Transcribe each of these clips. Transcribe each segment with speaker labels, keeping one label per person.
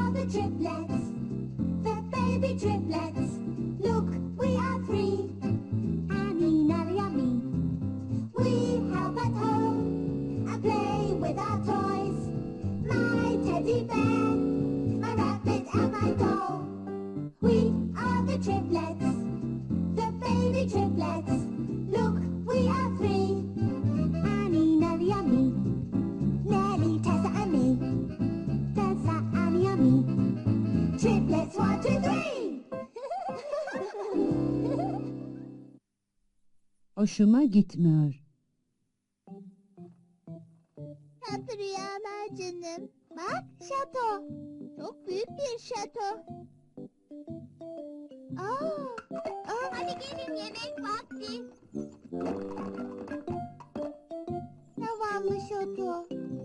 Speaker 1: are the triplets, the baby triplets. Look, we are three, Annie, Nellie and me. We help at home and play with our toys. My teddy bear, my rabbit and my doll. We are the triplets, the baby triplets. Look, we are three, Annie, Nellie and me. Nellie, Tessa and me. Tessa, Annie and me. Triplets, 1, 2, 3.
Speaker 2: Hoşuma gitmiyor.
Speaker 1: Tatlı rüyalar canım. Bak, şato. Çok büyük bir şato. Hadi gelin, yemek vakti. Zavallı şato.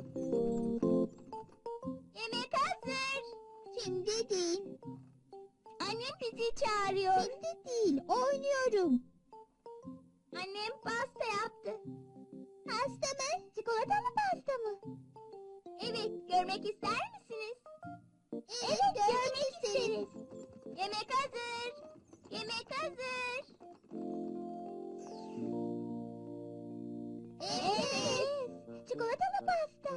Speaker 1: Yemek hazır. Şimdi değil. Annem bizi çağırıyor. Şimdi değil, oynuyorum. Annem pasta yaptı. Pasta mı? Çikolatalı pasta mı? Evet, görmek ister misiniz? Evet, görmek isteriz. Yemek hazır. Yemek hazır. Evet, çikolatalı pasta.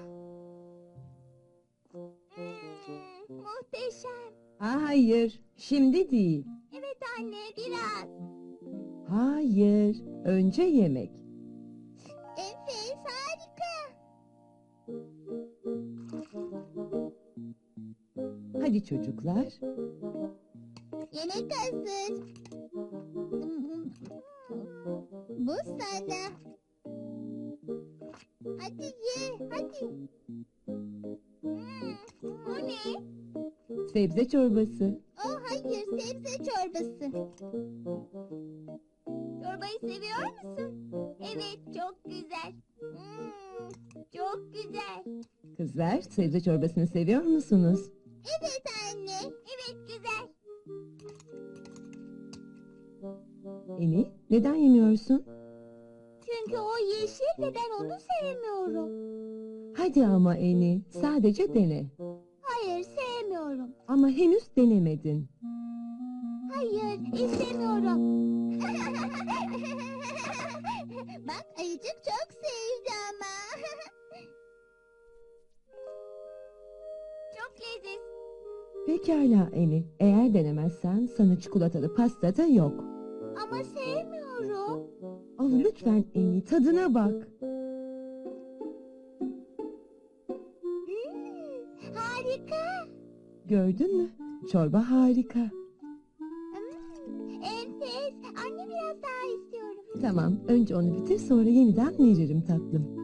Speaker 1: Muhteşem.
Speaker 2: Hayır, şimdi değil.
Speaker 1: Evet anne, biraz.
Speaker 2: Hayır, önce yemek.
Speaker 1: Enfes, harika.
Speaker 2: Hadi çocuklar.
Speaker 1: Yemek hazır. Bu sana. Hadi ye, hadi. O ne?
Speaker 2: Sebze çorbası.
Speaker 1: Oh hayır, sebze çorbası. Çorbayı seviyor musun? Evet, çok güzel. Çok güzel.
Speaker 2: Kızlar, sebze çorbasını seviyor musunuz?
Speaker 1: Evet anne. Evet, güzel.
Speaker 2: Eni, neden yemiyorsun?
Speaker 1: Çünkü o yeşil ve ben onu sevmiyorum.
Speaker 2: Hadi ama Eni, sadece dene.
Speaker 1: Hayır, sevmiyorum.
Speaker 2: Ama henüz denemedin.
Speaker 1: Hayır, istemiyorum. Bak, ayıcık çok sevdi ama. Çok leziz.
Speaker 2: Pekala Eni, eğer denemezsen sana çikolatalı pasta da yok.
Speaker 1: Ama sevmiyorum.
Speaker 2: Oh lütfen Eni, tadına bak.
Speaker 1: Harika.
Speaker 2: Gördün mü? Çorba harika.
Speaker 1: Enfes. Anne, biraz daha istiyorum.
Speaker 2: Tamam, önce onu bitir, sonra yeniden veririm tatlım.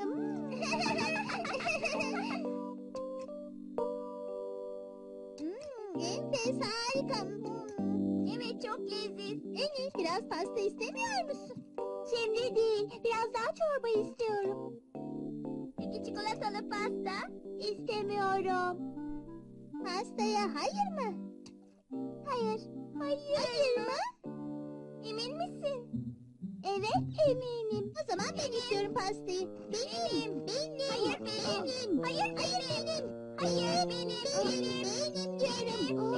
Speaker 1: Enfes, harika. Evet, çok leziz. En iyi biraz pasta istemiyor musun? Şimdi değil, biraz daha çorba istiyorum. Peki çikolatalı pasta? İstemiyorum. Pastaya hayır mı? Hayır. Hayır mı? Emin misin? Evet, eminim. O zaman ben istiyorum pastayı. Benim. Hayır benim. Hayır benim. Hayır benim. Benim diyorum.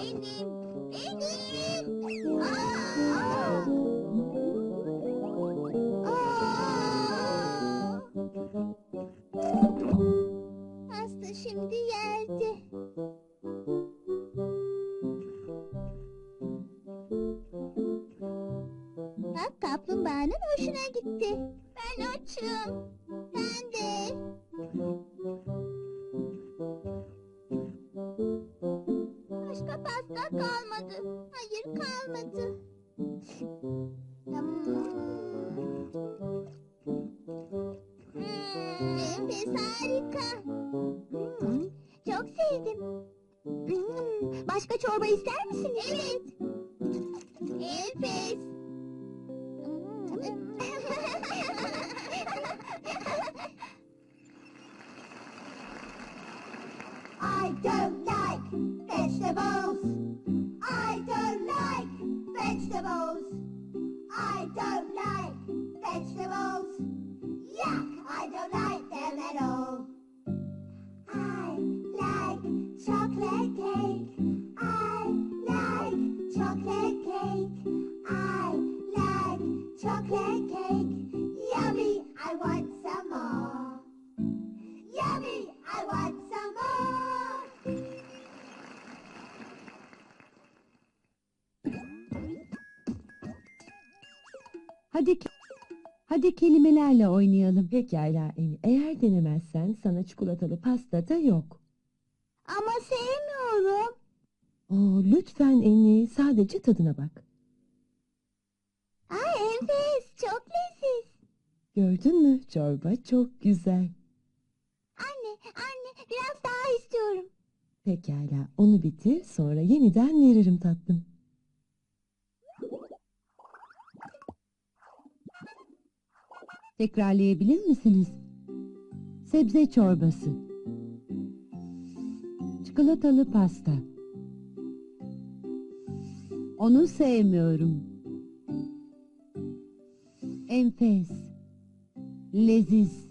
Speaker 1: Benim. Aa! Pasta şimdi yerde. Bak, kaplumbağanın hoşuna gitti. Ben açım. Ben de. Başka pasta kalmadı. Hayır, kalmadı. Enfes, harika. Çok sevdim. Başka çorba ister misiniz? Evet. Enfes. I don't like vegetables. I don't like vegetables. I don't like vegetables. Yuck, I don't like them at all. I like chocolate. chocolate cake. I like chocolate cake. I like chocolate cake. Yummy, I want some more. Yummy, I want some more.
Speaker 3: Hadi kelimelerle oynayalım.
Speaker 2: Pekala Eni. Eğer denemezsen sana çikolatalı pasta da yok.
Speaker 1: Ama sevmiyorum.
Speaker 2: Lütfen Eni, sadece tadına bak.
Speaker 1: Ay enfes, çok leziz.
Speaker 2: Gördün mü? Çorba çok güzel.
Speaker 1: Anne, biraz daha istiyorum.
Speaker 2: Pekala, onu bitir, sonra yeniden veririm tatlım.
Speaker 3: Tekrarlayabilir misiniz? Sebze çorbası. Çikolatalı pasta. Onu sevmiyorum. Enfes. Leziz.